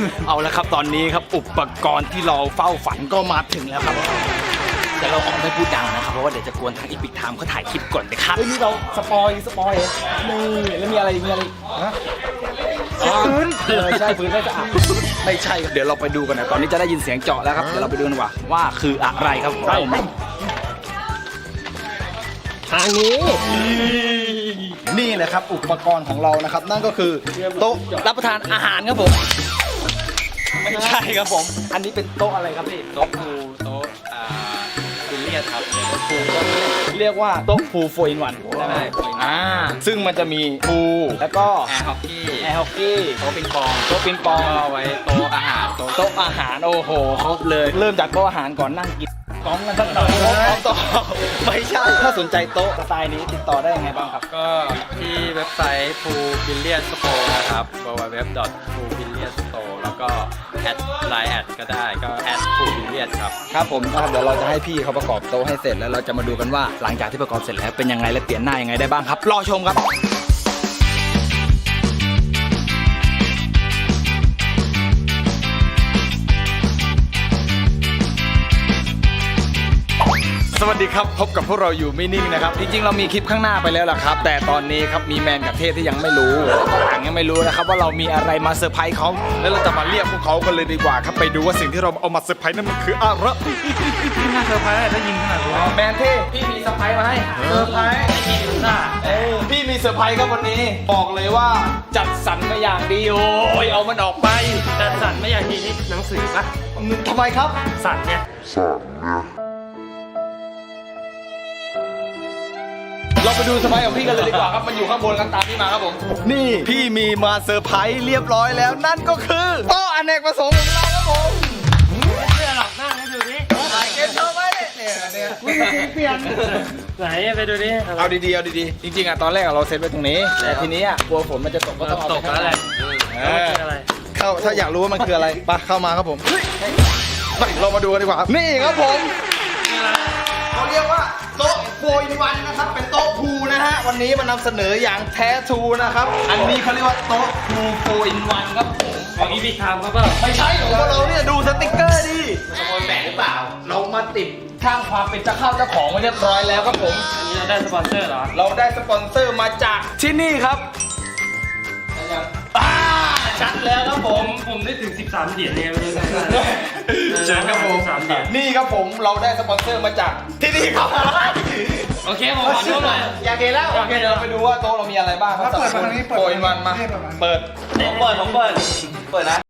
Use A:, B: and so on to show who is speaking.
A: เอาละครับตอนนี้ครับอุปกรณ์ที่เราเฝ้าฝันก็มาถึงแล้วครับแต่เราออกไม่พูดดังนะครับเพราะว่าเดี๋ยวจะกวนทางอีพิกไทม์เขาถ่ายคลิปก่อนนะครับนี่เราสปอยนี่แล้วมีอะไรฮะปืนใช่ปืนไม่สะอาดไม่ใช่เดี๋ยวเราไปดูกันนะตอนนี้จะได้ยินเสียงเจาะแล้วครับเดี๋ยวเราไปดูกันว่าคืออะไรครับไปทางนี้นี่แหละครับอุปกรณ์ของเรานะครับนั่นก็คือโต๊ะรับประทานอาหารครับผมไม่ใช่ครับผมอันนี้เป็นโต๊ะอะไรครับพี่โต๊ะพูโต๊ะบิลเลียดครับโต๊ะพูเรียกว่าโต๊ะพูโฟอินวันใช่ไหมซึ่งมันจะมีพูแล้วก็
B: แอร์ฮอกกี้ โต๊ะปิงปองเอาไว้โต๊ะอาหารโต๊ะ
A: อาหารโอ้โหครบเลยเริ่มจากโต๊ะอาหารก่อนนั่งกินกองกันสักหน่อยต่อไม่ใช่ถ้าสนใจโต๊ะสไตล์นี้ติดต่อได้ยังไงบ้างครับ
B: ก็ที่เว็บไซต์ Pool Billiard Store นะครับ www.poolbilliardstore แล้วก็แอดไลน์แอดก็ได้ก็แอด Pool Billiard ครับ
A: ครับผมนะครับเดี๋ยวเราจะให้พี่เขาประกอบโต๊ะให้เสร็จแล้วเราจะมาดูกันว่าหลังจากที่ประกอบเสร็จแล้วเป็นยังไงและเปลี่ยนหน้ายังไงได้บ้างครับรอชมครับสวัสดีครับพบกับพวกเราอยู่ไม่นิ่งนะครับจริงๆเรามีคลิปข้างหน้าไปแล้วล่ะครับแต่ตอนนี้ครับมีแมนกับเทพที่ยังไม่รู้แล้วก็ต่างยังไม่รู้นะครับว่าเรามีอะไรมาเซอร์ไพรส์เขาแล้วเราจะมาเรียกพวกเขากันเลยดีกว่าครับไปดูว่าสิ่งที่เราเอามาเซอร์ไพรส์นั้นมันคืออะไร
B: ที่น่าเซอร์ไพรส์ได้ยินขนาดนี้
A: แมนเทพพี่มีเซอร์ไพรส์มาให้เซอร์ไพรส์พี่มีเซอร์ไพรส์ครับวันนี้บอกเลยว่าจัดสรรมาอย่างดีโอ้ยเอามันออกไป
B: จัดสรรไม่อย่างดีนี่หนังสือปะ
A: ทำไมครับ
B: สัตว์เนี่ย
A: เราไปดูสมัยของพี่กันเลยดีกว่าครับมันอยู่ข้างบนกันตามที่มาครับผมนี่พี่มีมาเซอร์ไพรส์เรียบร้อยแล้วนั่นก็คือโต๊ะอเนกประสงค์ของเราครับผม
B: เสื้อหลับหน้าให้ดูดิ
A: ถ่ายเกมโชว์ไว้เนี่ยเปลี่ยน
B: ไหนไปดูดิ
A: เอาดีๆจริงๆอ่ะตอนแรกเราเซตไว้ตรงนี้แต่ทีนี้อ่ะกลัวฝนมันจะตกก็ต้องเอา
B: ตกแล้วแหละ
A: เข้าถ้าอยากรู้ว่ามันคืออะไรไปเข้ามาครับผมไปเรามาดูกันดีกว่านี่ครับผมเขาเรียกว่าโต๊ะโฟอินวันนะครับเป็นโต๊ะพูนะฮะวันนี้มานำเสนออย่างแท้ทูนะครับอันนี้เขาเรียกว่าโต๊ะพูโฟอินวันครับผม
B: ของอีพิกไทม์ครับเปล่า
A: ไม่ใช่ของเราเนี่ยดูสติ๊กเกอร์ดิสปอนแบกหรือเปล่าเรามาติดข้างความเป็นเจ้าของไว้เรียบร้อยแล้วครับผม
B: อันนี้เราได้สปอนเซอร์เหรอ
A: เราได้สปอนเซอร์มาจากที่นี่ครับชัดแล้วครับ
B: ผมได้ถึง13 เหรียญเนี่ยไม่รู้
A: เชิญครับผม
B: 3 เหรียญ
A: นี่ครับผมเราได้สปอนเซอร์มาจากที่นี่ครับ
B: โอเคผมขอดูหน่อย
A: อยากเห็นแล้วโอเคเดี๋ยวเราไปดูว่าโต๊ะเรามีอะไรบ้างครับ
C: เปิดมาทางนี้
A: โฟอินวันมาเปิด
B: ผมเปิดนะ